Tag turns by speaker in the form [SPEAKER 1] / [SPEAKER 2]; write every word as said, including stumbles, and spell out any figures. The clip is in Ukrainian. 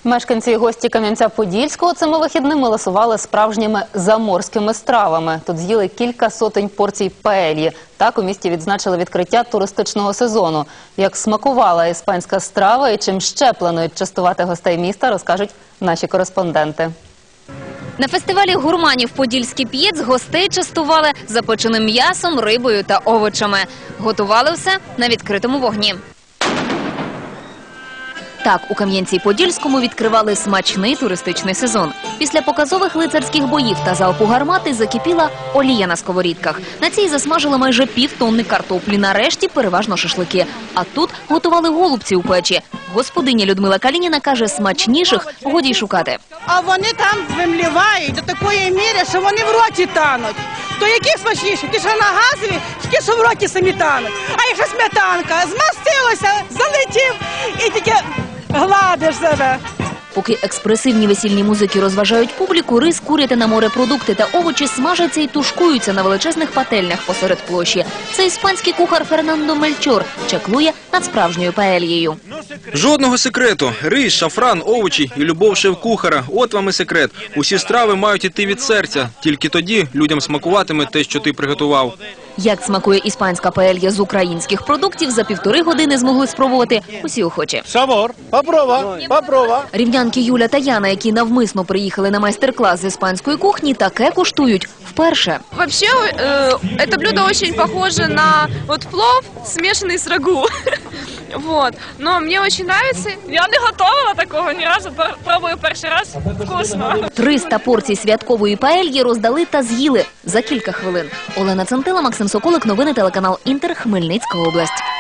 [SPEAKER 1] Мешканці і гості Кам'янця-Подільського цими вихідними ласували справжніми заморськими стравами. Тут з'їли кілька сотень порцій паельї. Так у місті відзначили відкриття туристичного сезону. Як смакувала іспанська страва і чим ще планують частувати гостей міста, розкажуть наші кореспонденти.
[SPEAKER 2] На фестивалі гурманів «Подільський п'єц» гостей частували запеченим м'ясом, рибою та овочами. Готували все на відкритому вогні. Так, у Кам'янці-Подільському відкривали смачний туристичний сезон. Після показових лицарських боїв та залпу гармати закипіла олія на сковорідках. На цій засмажили майже півтонни картоплі, нарешті переважно шашлики. А тут готували голубці у печі. Господиня Людмила Калініна каже, смачніших годі й шукати.
[SPEAKER 3] А вони там вимлівають до такої міри, що вони в роті тануть. То які смачніші? Ті, що на газові, ті, що в роті самі тануть. А якщо сметанка, змастилося, залетів і тільки гладиш себе.
[SPEAKER 2] Поки експресивні весільні музики розважають публіку, рис, курятина, морепродукти та овочі смажаться і тушкуються на величезних пательнях посеред площі. Це іспанський кухар Фернандо Мельчор чаклує над справжньою паельєю.
[SPEAKER 4] Жодного секрету. Рис, шафран, овочі і любов шеф-кухара. От вам і секрет. Усі страви мають іти від серця. Тільки тоді людям смакуватиме те, що ти приготував.
[SPEAKER 2] Як смакує іспанська паелья з українських продуктів, за півтори години змогли спробувати усі охочі.
[SPEAKER 5] Сабор, попробуй, попробуй.
[SPEAKER 2] Рівнянки Юля та Яна, які навмисно приїхали на майстер-клас з іспанської кухні, таке куштують вперше.
[SPEAKER 6] Вообще, э, это блюдо очень похоже на вот плов, смешанный с рагу. Вот. Но мне очень нравится. Я не готовила такого ні разу, пробую перший раз. Вкусно.
[SPEAKER 2] триста порцій святкової паельї роздали та з'їли за кілька хвилин. Олена Центила, Максим Соколик, новини телеканал Інтер, Хмельницька область.